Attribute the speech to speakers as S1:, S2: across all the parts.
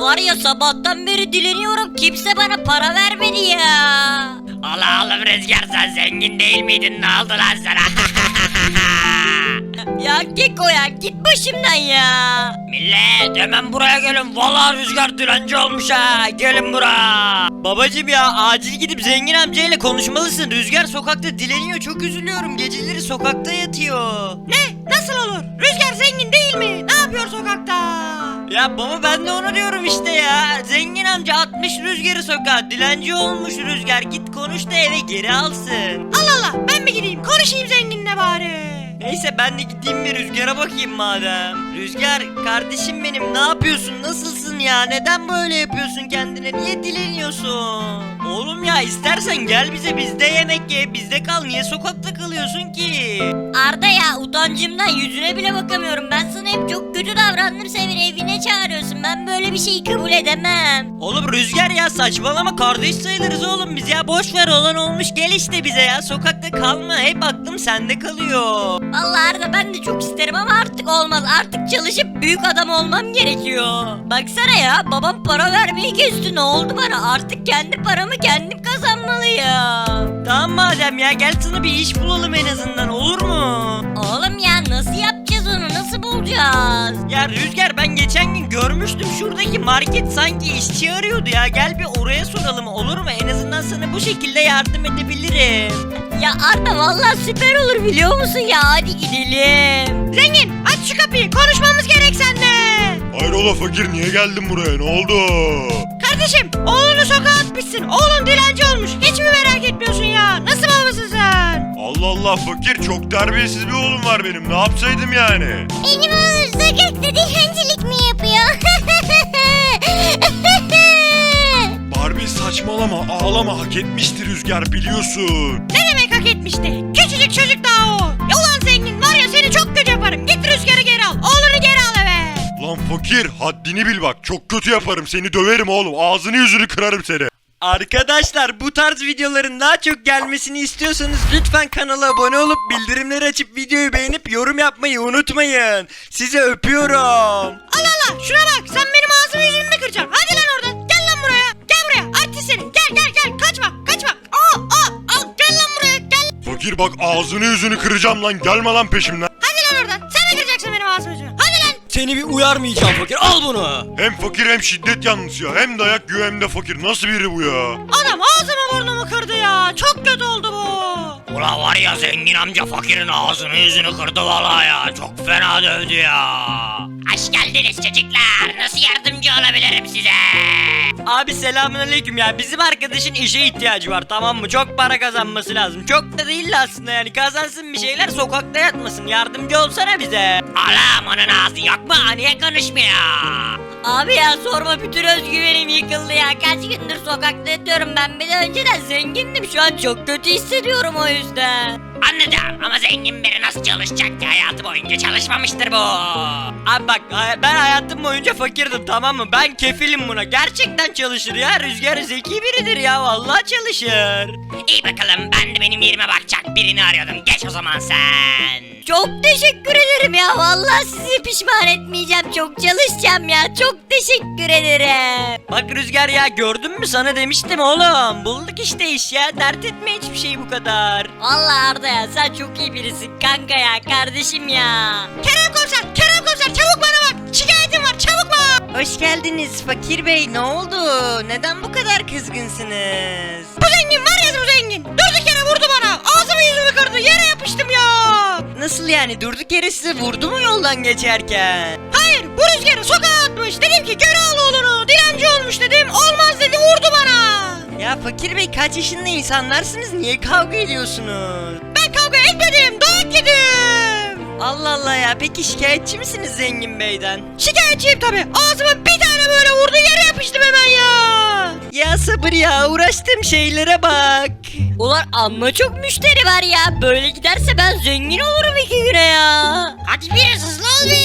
S1: var ya sabahtan beri dileniyorum kimse bana para vermedi ya.
S2: Allah oğlum Rüzgar, sen zengin değil miydin, ne oldu lan sana?
S1: Ya Keko ya git başımdan ya.
S2: Millet hemen buraya gelin, vallahi Rüzgar dilenci olmuş ha, gelin buraya.
S3: Babacım ya acil gidip zengin amcayla konuşmalısın. Rüzgar sokakta dileniyor, çok üzülüyorum. Geceleri sokakta yatıyor.
S4: Ne? Nasıl olur? Rüzgar zengin değil mi? Ne yapıyor sokakta?
S3: Ya baba ben de onu diyorum işte ya. Zengin amca atmış Rüzgar'ı sokağa. Dilenci olmuş Rüzgar. Git konuş da eve geri alsın.
S4: Allah Allah, ben mi gideyim konuşayım zenginle bari.
S3: Neyse ben de gideyim bir Rüzgar'a bakayım madem. Rüzgar kardeşim benim, ne yapıyorsun? Nasılsın ya? Neden böyle yapıyorsun kendine? Niye dileniyorsun? Oğlum ya istersen gel bize, bizde yemek ye, bizde kal. Niye sokakta kalıyorsun ki?
S1: Arda ya utancımdan yüzüne bile bakamıyorum. Ben sana hep çok kötü davrandım, sen beni evine çağırıyorsun. Ben böyle bir şeyi kabul edemem.
S3: Oğlum Rüzgar ya saçmalama, kardeş sayılırız oğlum biz ya. Boş ver, olan olmuş, gel işte bize ya. Sokakta kalma, hep aklım sende kalıyor.
S1: Vallahi Arda ben de çok isterim ama artık olmaz. Artık çalışıp büyük adam olmam gerekiyor. Baksana ya babam para vermeyi kesti, ne oldu bana? Artık kendi paramı kendim kazanmalıyım.
S3: Tamam madem ya, gel sana bir iş bulalım en azından, olur mu?
S1: Oğlum ya nasıl yapacağız onu, nasıl bulacağız?
S3: Ya Rüzgar ben geçen gün görmüştüm, şuradaki market sanki işçi arıyordu ya. Gel bir oraya soralım, olur mu? En azından sana bu şekilde yardım edebilirim.
S1: Ya Arda vallahi süper olur biliyor musun ya, hadi gidelim.
S4: Zengin aç şu kapıyı, konuşmamız gerek seninle.
S5: Hayrola fakir, niye geldin buraya, ne oldu?
S4: Kardeşim oğlunu sokağa atmışsın, oğlun dilenci olmuş, hiç mi merak etmiyorsun ya? Nasıl babasın sen?
S5: Allah Allah fakir, çok terbiyesiz bir oğlum var benim, ne yapsaydım yani?
S1: Benim oğlum sokakta dilencilik mi yapıyor?
S5: Barbie saçmalama, ağlama, hak etmiştir Rüzgar, biliyorsun.
S4: Ne demek hak etmişti? Küçücük çocuk daha o. Ya ulan zengin var ya, seni çok kötü yaparım. Git Rüzgar'ı geri al, oğlunu geri al eve.
S5: Lan fakir, haddini bil bak, çok kötü yaparım, seni döverim oğlum, ağzını yüzünü kırarım seni.
S3: Arkadaşlar bu tarz videoların daha çok gelmesini istiyorsanız lütfen kanala abone olup bildirimleri açıp videoyu beğenip yorum yapmayı unutmayın. Sizi öpüyorum.
S4: Allah Allah, şuna bak, sen benim ağzımı yüzümü mü kıracaksın? Hadi lan oradan, gel lan buraya. Gel buraya, artist seni. Gel, kaçma. Al, gel lan buraya, gel.
S5: Fakir bak, ağzını yüzünü kıracağım lan, gelme lan peşimden.
S4: Hadi lan oradan, sen de kıracaksın benim ağzımı yüzümü. Hadi lan.
S3: Seni bir uyarmayacağım fakir, al bunu.
S5: Hem fakir hem şiddet yanlısı ya, hem dayak yiyor hem de fakir, nasıl biri bu ya?
S4: Adam ağzımı burnumu kırdı ya, çok kötü oldu bu.
S2: Ula var ya, zengin amca fakirin ağzını yüzünü kırdı vallahi ya, çok fena dövdü ya. Hoş geldiniz çocuklar, nasıl yardımcı olabilirim size?
S3: Abi selamünaleyküm ya, bizim arkadaşın işe ihtiyacı var, tamam mı? Çok para kazanması lazım. Çok da değil aslında, yani kazansın bir şeyler, sokakta yatmasın. Yardımcı olsana bize.
S2: Alam onun ağzı yok mu? Niye konuşmuyor?
S1: Abi ya sorma, bütün özgüvenim yıkıldı ya. Kaç gündür sokakta yatıyorum ben, bir de önceden zengindim, şu an çok kötü hissediyorum o yüzden.
S2: Anladım ama zengin biri nasıl çalışacak ki, hayatı boyunca çalışmamıştır bu.
S3: Abi bak ben hayatım boyunca fakirdim, tamam mı? Ben kefilim buna. Gerçekten çalışır ya. Rüzgar zeki biridir ya. Vallahi çalışır.
S2: İyi bakalım, ben de benim yerime bakacak birini arıyordum, geç o zaman sen.
S1: Çok teşekkür ederim ya, vallahi sizi pişman etmeyeceğim, çok çalışacağım ya, çok teşekkür ederim.
S3: Bak Rüzgar ya, gördün mü, sana demiştim oğlum. Bulduk işte iş ya. Dert etme hiçbir şey bu kadar.
S1: Vallahi Arda ya sen çok iyi birisin kanka ya, kardeşim ya.
S4: Kerem komiser, çabuk bana bak. Şikayetim var, çabuk bak.
S3: Hoş geldiniz Fakir Bey. Ne oldu? Neden bu kadar kızgınsınız?
S4: Bu zengin var ya, bu zengin. Durduk yere vurdu bana. Ağzımı yüzümü kırdı, yere yapıştım ya.
S3: Nasıl yani? Durduk yere size vurdu mu yoldan geçerken?
S4: Hayır, bu Rüzgar'ı sokağa atmış. Dedim ki geri al oğlunu, dilenci olmuş dedim. Olmaz dedi, vurdu bana.
S3: Ya Fakir Bey kaç yaşında insanlarsınız? Niye kavga ediyorsunuz?
S4: Ben kavga etmedim, dayak yedim.
S3: Allah Allah ya. Peki şikayetçi misiniz Zengin Bey'den?
S4: Şikayetçiyim tabi. Ağzıma bir tane böyle vurdu, yere yapıştım hemen ya.
S3: Ya sabır ya. Uğraştığım şeylere bak.
S1: Ulan amma çok müşteri var ya, böyle giderse ben zengin olurum 2 güne ya.
S4: Hadi biraz hızlı ol be.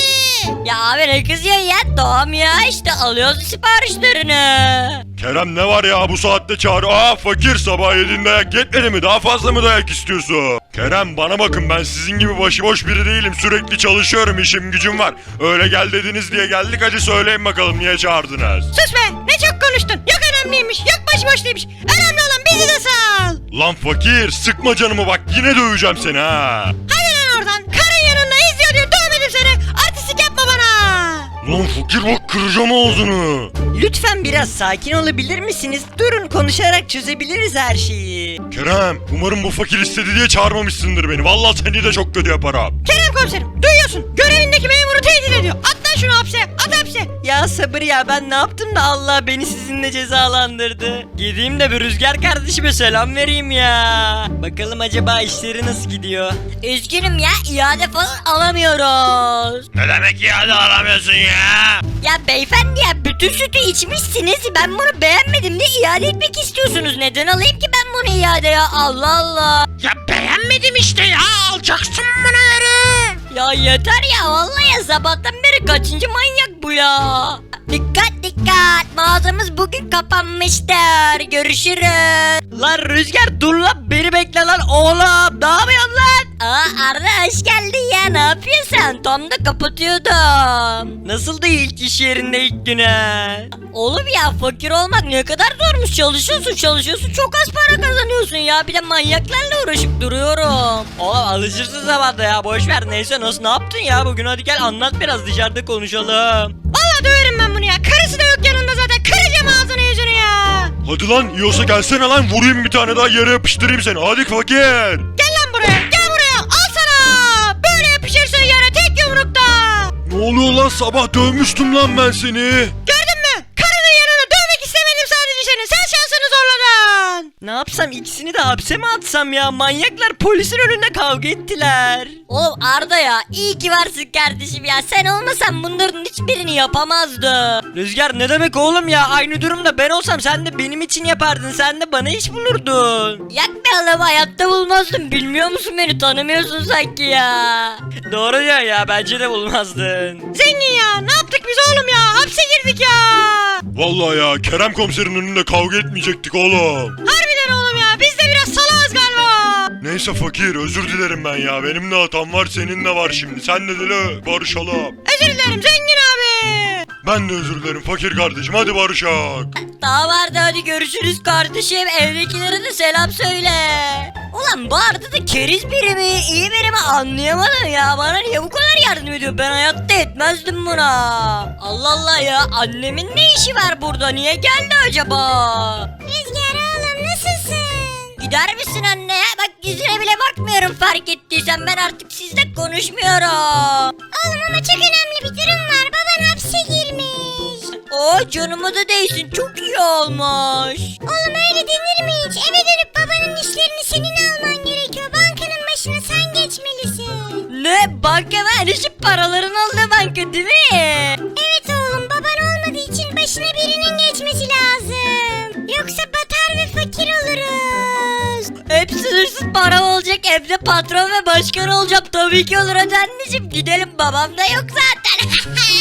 S1: Ya abi ne kızıyorsun ya? Tamam ya işte alıyoruz siparişlerini.
S5: Kerem ne var ya bu saatte çağır. Aa fakir sabah yediğin dayak yetmedi mi? Daha fazla mı dayak istiyorsun? Kerem bana bakın ben sizin gibi başıboş biri değilim. Sürekli çalışıyorum işim gücüm var. Öyle gel dediniz diye geldik hadi söyleyin bakalım niye çağırdınız?
S4: Sus be ne çok konuştun. Yok önemliymiş yok başıboş değilmiş. Önemli olan bizi de sal.
S5: Lan fakir sıkma canımı bak yine döveceğim seni ha.
S4: Hadi lan oradan. Karın yanında izliyor diyor dövmedim seni. Artistik yapma bana.
S5: Lan fakir bak kıracağım ağzını.
S3: Lütfen biraz sakin olabilir misiniz? Durun konuşarak çözebiliriz her şeyi.
S5: Kerem umarım bu fakir istedi diye çağırmamışsındır beni. Vallahi seni de çok kötü yaparım.
S4: Kerem komiserim duyuyorsun. Görevindeki memuru tehdit ediyor. At lan şunu hapse. At hapse.
S3: Ya sabır ya ben ne yaptım da Allah beni sizinle cezalandırdı. Gideyim de bir Rüzgar kardeşime selam vereyim ya. Bakalım acaba işleri nasıl gidiyor?
S1: Üzgünüm ya iade falan alamıyoruz.
S2: Ne demek iade alamıyorsun ya?
S1: Ya beyefendi ya bütün sütü içmişsiniz. Ben bunu beğenmedim de iade etmek istiyorsunuz. Neden alayım ki ben bunu iade ya? Allah Allah.
S2: Ya beğenmedim işte ya alacaksın bunu yere.
S1: Ya yeter ya vallahi ya sabahtan beri kaçıncı manyak bu ya? Dikkat dikkat mağazamız bugün kapanmıştır. Görüşürüz.
S3: Lan Rüzgar dur lan beni bekle lan oğlum. Ne yapıyorsun lan?
S1: Aa Arda hoş geldin ya ne yapıyorsun? Tam da kapatıyordum.
S3: Nasıldı ilk iş yerinde ilk güne?
S1: Oğlum ya fakir olmak ne kadar zormuş çalışıyorsun çok az para kazanıyorsun ya bir de manyaklarla uğraşıp duruyorum.
S3: Oğlum alışırsın zamanda ya boş ver neyse nasıl ne yaptın ya bugün hadi gel anlat biraz dışarıda konuşalım.
S4: Valla döverim ben bunu ya. Karısı da yok yanında zaten. Kıracağım ağzını yüzünü ya.
S5: Hadi lan yiyorsa gelsene lan vurayım bir tane daha yere yapıştırayım seni. Hadi fakir.
S4: Gel lan buraya. Gel buraya. Al sana. Böyle yapışırsın yere tek yumrukta.
S5: Ne oluyor lan sabah dövmüştüm lan ben seni.
S4: Gördün mü? Karının yanına dövmek istemedim sadece seni. Sen şansını zorladın.
S3: Ne yapsam ikisini de hapse mi atsam ya manyaklar polisin önünde kavga ettiler.
S1: Oğlum Arda ya iyi ki varsın kardeşim ya sen olmasan bunların hiçbirini yapamazdın.
S3: Rüzgar ne demek oğlum ya aynı durumda ben olsam sen de benim için yapardın sen de bana iş bulurdun.
S1: Yak be oğlum hayatta bulmazdın bilmiyor musun beni tanımıyorsun sanki ya.
S3: Doğru diyor ya bence de bulmazdın.
S4: Zengin ya. Ne yaptık biz oğlum ya? Hapse girdik ya.
S5: Vallahi ya Kerem komiserin önünde kavga etmeyecektik oğlum.
S4: Harbiden oğlum ya. Biz de biraz salağız galiba.
S5: Neyse fakir özür dilerim ben ya. Benim de hatam var senin de var şimdi. Sen de dile barışalım.
S4: Özür dilerim zengin abi.
S5: Ben de özür dilerim fakir kardeşim hadi barışak.
S1: Tamam Arda hadi görüşürüz kardeşim evdekilere de selam söyle. Ulan bu Arda da keriz biri mi iyi biri mi anlayamadım ya bana niye bu kadar yardım ediyor ben hayatta etmezdim buna. Allah Allah ya annemin ne işi var burada niye geldi acaba?
S4: Rüzgar oğlum nasılsın?
S1: Gider misin anne ya? Bak yüzüne bile bakmıyorum fark ettiysen ben artık sizle konuşmuyorum.
S4: Oğlum ama çok önemli bir durum var. Baban hapse girmiş.
S1: O canıma da değsin çok iyi olmuş.
S4: Oğlum öyle denir mi hiç? Eve dönüp babanın işlerini senin alman gerekiyor. Bankanın başına sen geçmelisin.
S1: Ne banka verişi paraların olduğu banka değil mi?
S4: Evet oğlum baban olmadığı için başına birinin geçmesi lazım. Yoksa batar ve fakir oluruz.
S1: Hep sınırsız para olacak evde patron ve başkan olacağım tabii ki olur hadi anneciğim gidelim babam da yok zaten.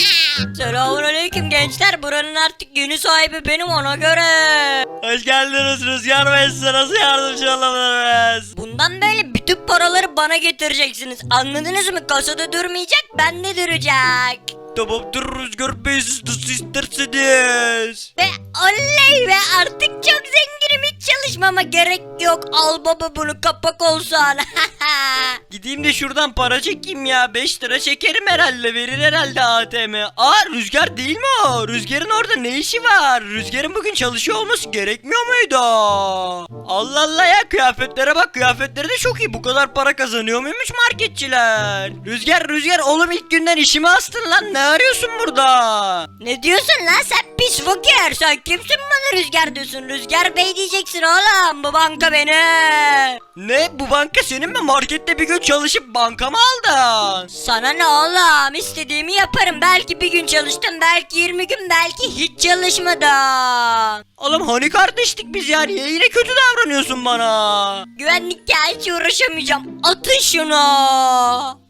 S1: Selamünaleyküm gençler buranın artık yeni sahibi benim ona göre.
S3: Hoş geldiniz Rüzgar Bey size nasıl yardımcı olabiliriz?
S1: Bundan böyle bütün paraları bana getireceksiniz anladınız mı kasada durmayacak bende duracak.
S3: Tamamdır Rüzgar Bey siz nasıl isterseniz.
S1: Ve oley be artık çok zenginim hiç çalışmama gerek yok al baba bunu kapak olsan.
S3: Gideyim de şuradan para çekeyim ya 5 lira çekerim herhalde verir herhalde ATM. Aa Rüzgar değil mi o? Rüzgar'ın orada ne işi var? Rüzgar'ın bugün çalışıyor olması gerekmiyor muydu? Allah Allah ya kıyafetlere bak kıyafetleri de çok iyi bu kadar para kazanıyor muymuş marketçiler? Rüzgar oğlum ilk günden işimi astın lan ne arıyorsun burada?
S1: Ne diyorsun lan sen pis fakir sen kimsin bana rüzgar diyorsun rüzgar bey diyeceksin oğlum bu banka benim.
S3: Ne bu banka senin mi markette bir gün çalışıp banka mı aldın?
S1: Sana ne oğlum istediğimi yaparım belki bir gün çalıştım belki 20 gün belki hiç çalışmadım.
S3: Oğlum hani kardeştik biz ya niye yine kötü davranıyorsun bana?
S1: Güvenlikle hiç uğraşamayacağım atın şunu.